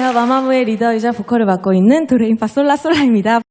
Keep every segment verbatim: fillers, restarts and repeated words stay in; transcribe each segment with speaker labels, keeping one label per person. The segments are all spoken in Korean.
Speaker 1: 안녕하세요. 마마무의 리더이자 보컬을 맡고 있는 도레미파 솔라솔라입니다.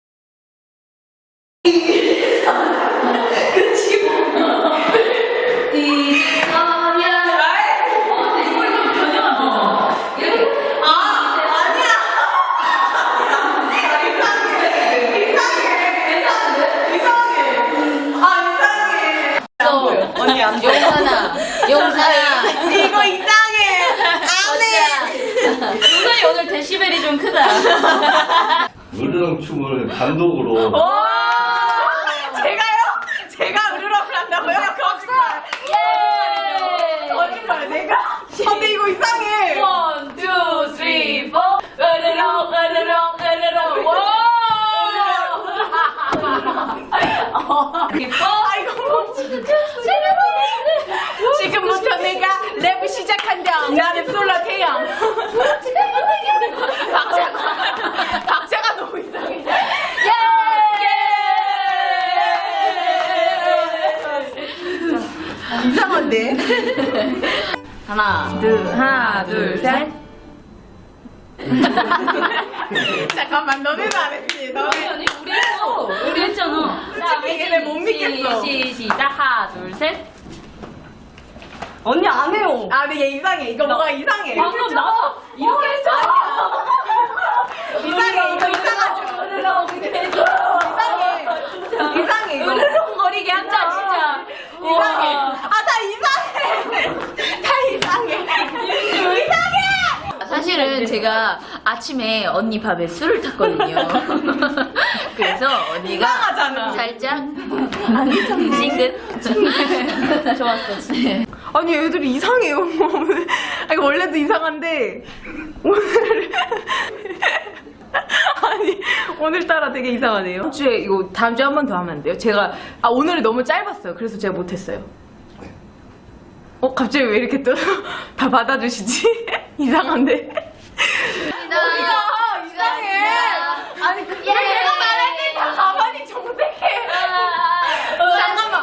Speaker 2: 언니 안 보여.
Speaker 3: 용산아, 용산아.
Speaker 2: 이거 이상해. 안 해.
Speaker 3: 용산이 오늘 데시벨이 좀 크다.
Speaker 4: 으르렁 춤을 단독으로.
Speaker 2: 오! 제가요? 제가 으르렁을 한다고요? 거짓말.
Speaker 3: 예!
Speaker 2: 거짓말. 내가? 근데 이거 이상해.
Speaker 3: 원, 투, 쓰리, 포. 으르렁, 으르렁, 으르렁. 와!
Speaker 2: 아 이거 뭐 지금부터 내가 랩을 시작한다. 나는 솔라 태양. 박자가 박자가 너무 이상해. 예! 이상한데?
Speaker 3: 하나,
Speaker 2: 둘, 하나, 둘, 셋. 잠깐만, 너네는 안 했지? 너네.
Speaker 3: 아니, 우리 했어. 우리 했잖아.
Speaker 2: 솔직히 얘네 못 믿겠어.
Speaker 3: 시, 시작. 하나, 둘, 셋.
Speaker 2: 언니 안 해요. 아, 근데 얘 이상해. 이거 뭐가 이상해.
Speaker 3: 방금 나 이렇게 했어.
Speaker 2: 이상해. 이거 이상하죠. 이상해. 이상해. 이거.
Speaker 3: 으르렁거리게 한다, 진짜.
Speaker 2: 이상해. 아, 다 이상해. 다 이상해. 이상해.
Speaker 3: 사실은 제가 아침에 언니 밥에 술을 탔거든요. 그래서 언니가
Speaker 2: 이상하잖아.
Speaker 3: 살짝 징긋 좋았어, 진짜.
Speaker 2: 아니, 애들이 이상해요. 아니, 원래도 이상한데 오늘 아니 오늘따라 되게 이상하네요. 다음 주에 이거 다음 주에 한 번 더 하면 안 돼요? 제가 아 오늘이 너무 짧았어요. 그래서 제가 못했어요. 어 갑자기 왜 이렇게 또 다 받아주시지? 이상한데. 어, 이상해. 아니 그 예. 내가 말할 때 다 가만히 정색해. 잠깐만.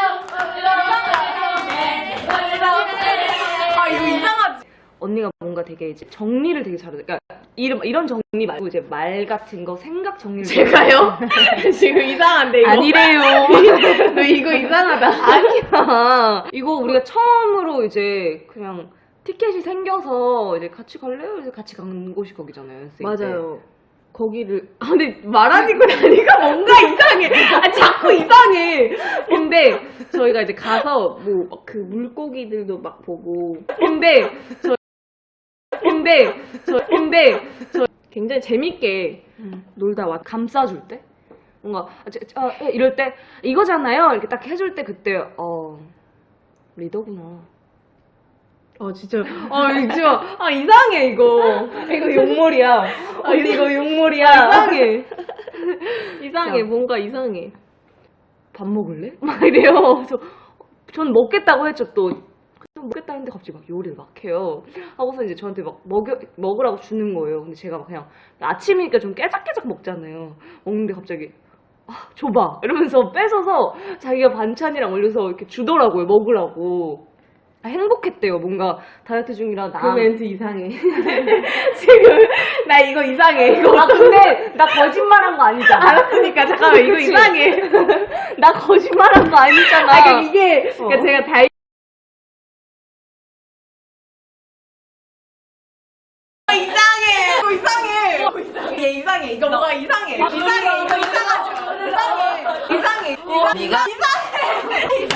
Speaker 2: 아 이거 이상하지.
Speaker 5: 언니가 뭔가 되게 이제 정리를 되게 잘해. 그러니까 이런 이런 정리 말고 이제 말 같은 거, 생각 정리를.
Speaker 2: 제가요? 지금 이상한데 이거.
Speaker 5: 아니래요.
Speaker 2: 너 이거 이상하다.
Speaker 5: 아니야. 이거 우리가 처음으로 이제 그냥 티켓이 생겨서 이제 같이 갈래요? 그래서 같이 간 곳이 거기잖아요. 연습생 때.
Speaker 2: 맞아요.
Speaker 5: 거기를 아 근데 말하니까 나니까 뭔가 이상해. 아 자꾸 이상해. 근데 저희가 이제 가서 뭐 그 물고기들도 막 보고. 근데 저 근데 저 근데 저 굉장히 재밌게 놀다 와 감싸줄 때 뭔가 아, 저, 저, 아, 이럴 때 이거잖아요. 이렇게 딱 해줄 때 그때 어 리더구나.
Speaker 2: 어 진짜 아 이거 아 이상해 이거
Speaker 5: 이거 욕몰이야. 언니 이거 욕몰이야.
Speaker 2: 이상해
Speaker 5: 이상해. 뭔가 이상해. 밥 먹을래? 막 이래요. 그래서 전 먹겠다고 했죠. 또 먹겠다 했는데 갑자기 막 요리를 막 해요. 하고서 이제 저한테 막 먹여, 먹으라고 주는 거예요. 근데 제가 막 그냥 아침이니까 좀 깨작깨작 먹잖아요. 먹는데 갑자기 아, 줘봐 이러면서 뺏어서 자기가 반찬이랑 올려서 이렇게 주더라고요. 먹으라고. 아, 행복했대요. 뭔가 다이어트 중이라 나.
Speaker 2: 그 멘트 이상해.
Speaker 5: 지금 나 이거 이상해. 이거. 아 근데 나 거짓말한 거 아니잖아.
Speaker 2: 알았으니까 잠깐만 이거
Speaker 5: 그치?
Speaker 2: 이상해.
Speaker 5: 나 거짓말한 거 아니잖아.
Speaker 2: 아 그러니까 이게
Speaker 5: 어.
Speaker 2: 그러니까 제가 다이 이상해. 이거 이상해. 이거 이상해. 얘 이상해. 이거 뭐가 이상해. 이상해. 이거 이상하죠. 이상해. 이상해. 이거
Speaker 3: 네가
Speaker 2: 이상해.